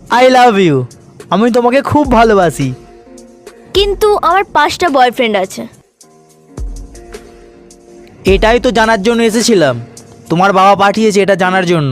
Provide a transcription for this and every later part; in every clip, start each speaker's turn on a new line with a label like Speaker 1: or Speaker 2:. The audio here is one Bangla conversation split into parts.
Speaker 1: I love you. আমি তোমাকে খুব ভালোবাসি।
Speaker 2: কিন্তু আমার 5টা বয়ফ্রেন্ড আছে।
Speaker 1: এটাই তো জানার জন্য এসেছিলাম। তোমার বাবা পাঠিয়েছে এটা জানার জন্য।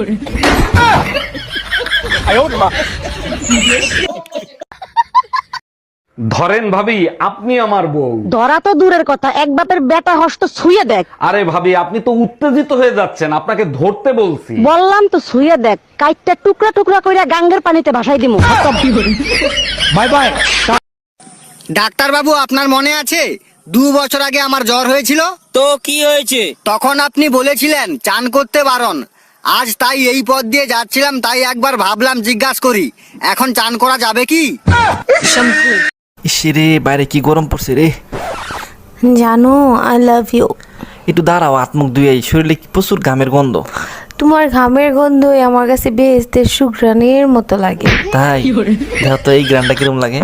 Speaker 3: ধরেন ভাবি, আপনি আমার বউ।
Speaker 4: ধরা তো দূরের কথা, এক বাপের বেটা হস্ত ছুঁয়ে দেখ।
Speaker 3: আরে ভাবি, আপনি তো উত্তেজিত হয়ে যাচ্ছেন, আপনাকে ধরতে বলছি।
Speaker 4: বললাম তো ছুঁয়ে দেখ, কাইটটা টুকরা টুকরা কইরা গাঙ্গের পানিতে ভাসাই দিমু।
Speaker 1: Bye bye.
Speaker 5: ডাক্তার বাবু, আপনার মনে আছে 2 বছর আগে আমার জ্বর হয়েছিল?
Speaker 6: তো কি হয়েছে?
Speaker 5: তখন আপনি বলেছিলেন চান করতে বারণ। আজ তাই এই পথ দিয়ে যাচ্ছিলাম, তাই একবার ভাবলাম জিজ্ঞাসা করি, এখন চান করা যাবে কি?
Speaker 7: ইসরে বাইরে কি গরম পড়ছে রে।
Speaker 8: জানো আই লাভ ইউ।
Speaker 7: একটু দাঁড়াও, আত্মুখ ধুয়ে শরীরে কি প্রচুর ঘামের গন্ধ।
Speaker 8: তোমার ঘামের গন্ধই আমার কাছে বেহেশতের সুঘ্রাণের মতো লাগে।
Speaker 7: তাই দেখো তো এই গ্রামটা কিরম লাগে।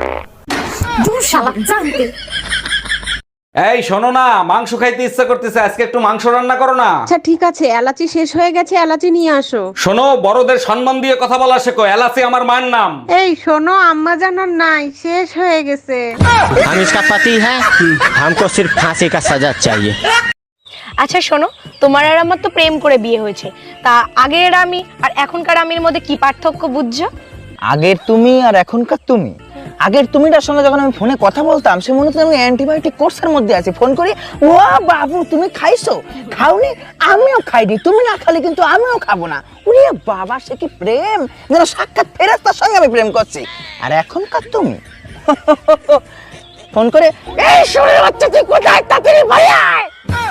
Speaker 3: এই শোনো না, মাংস খাইতে ইচ্ছা করতেছে, আজকে একটু মাংস রান্না করো না।
Speaker 9: আচ্ছা ঠিক আছে, এলাচি শেষ হয়ে গেছে, এলাচি নিয়ে আসো।
Speaker 3: শোনো, বড়দের সম্মান দিয়ে কথা বলা শেখো। এলাচি আমার মায়ের নাম।
Speaker 9: এই শোনো, আম্মা জানার নাই, শেষ হয়ে গেছে।
Speaker 6: हम इसका पति है, हमको सिर्फ फांसी का सजा चाहिए।
Speaker 2: আচ্ছা শোনো, তোমার আর আমার তো প্রেম করে বিয়ে হয়েছে, তা আগের আমি আর এখনকার আমির মধ্যে কি পার্থক্য বুঝছো?
Speaker 6: আগের তুমি আর এখনকার তুমি। আগের তুমিটার সঙ্গে যখন আমি ফোনে কথা বলতাম, সে মনে হতো আমি অ্যান্টিবায়োটিক কোর্সের মধ্যে আছি। ফোন করি, ও বাবু তুমি খাইছো? খাওনি? আমিও খাইনি। তুমি না খালি কিন্তু আমিও খাবো না। ওরে বাবা, সে কি প্রেম! যেন সাক্ষাৎ ফেরেশতার সঙ্গে আমি প্রেম করছি। আর এখনকার তুমি ফোন করে, এই শরীর বাচ্চা তুই কোথায়, তাড়াতাড়ি বাড়ি আয়।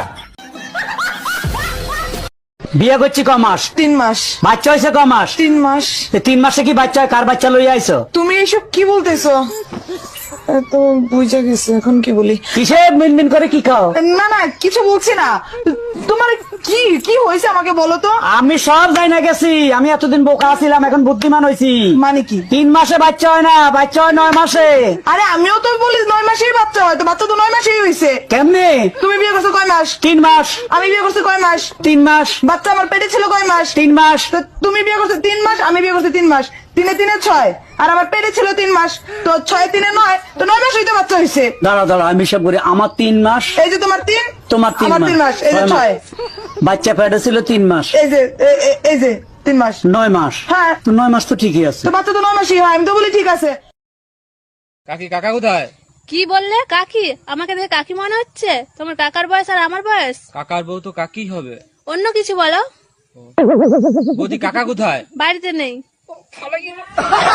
Speaker 10: বিয়ে করছি ক মাস?
Speaker 9: 3 মাস।
Speaker 10: বাচ্চা হয়েছে ক মাস?
Speaker 9: 3 মাস।
Speaker 10: 3 মাসে কি বাচ্চা হয়? কার বাচ্চা লইয়া আইছো?
Speaker 9: তুমি এসব কি বলতেছো? তো বুঝে গেছে, এখন কি বলি?
Speaker 10: কিসে মিনমিন করে কি খাও?
Speaker 9: না না, কিছু বলছি না। তোমার কি কি হয়েছে আমাকে বলো তো।
Speaker 10: আমি সব যাই না গেছি। আমি এতদিন বোকা ছিলাম, এখন বুদ্ধিমান হয়েছি।
Speaker 9: মানে কি?
Speaker 10: 3 মাসে বাচ্চা হয় না, বাচ্চা হয় 9 মাসে।
Speaker 9: আরে আমিও তো বলি 9 মাসেই বাচ্চা হয়, তো বাচ্চা তো 9 মাসেই হয়েছে।
Speaker 10: কেমনে?
Speaker 9: তুমি বিয়ে করছো কয় মাস?
Speaker 10: 3 মাস।
Speaker 9: আমি বিয়ে করছি কয় মাস?
Speaker 10: 3 মাস।
Speaker 9: বাচ্চা আমার পেটে ছিল কয় মাস?
Speaker 10: 3 মাস।
Speaker 9: তো তুমি বিয়ে করছো 3 মাস, আমি বিয়ে করছি 3 মাস। 3 এ 6, আর আমার পেটে ছিল 3 মাস। তো 6 3 9, তো 9 মাস হইতে বাচ্চা হয়েছে।
Speaker 10: দাঁড়া দাঁড়া, আমি সব করি। আমার 3 মাস,
Speaker 9: এই যে তোমার 3,
Speaker 10: তোমার 3
Speaker 9: আমার 3 মাস, এই যে 6।
Speaker 10: বাচ্চা পেটে ছিল 3 মাস,
Speaker 9: এই যে এই যে 3 মাস,
Speaker 10: 9 মাস।
Speaker 9: হ্যাঁ।
Speaker 10: তো 9 মাস তো ঠিকই আছে।
Speaker 9: তো বাচ্চা তো 9 মাসই হয়, আমি তো বলি ঠিক আছে।
Speaker 3: কাকি, কাকা কোথায়?
Speaker 11: কি বললে? কাকি? আমাকে দেখে কাকি মনে হচ্ছে? তোমার কাকার বয়স আর আমার বয়স?
Speaker 6: কাকার বউ তো কাকি হবে।
Speaker 11: অন্য কিছু বলো।
Speaker 6: বৌদি কাকা কোথায়?
Speaker 11: বাড়িতে নেই।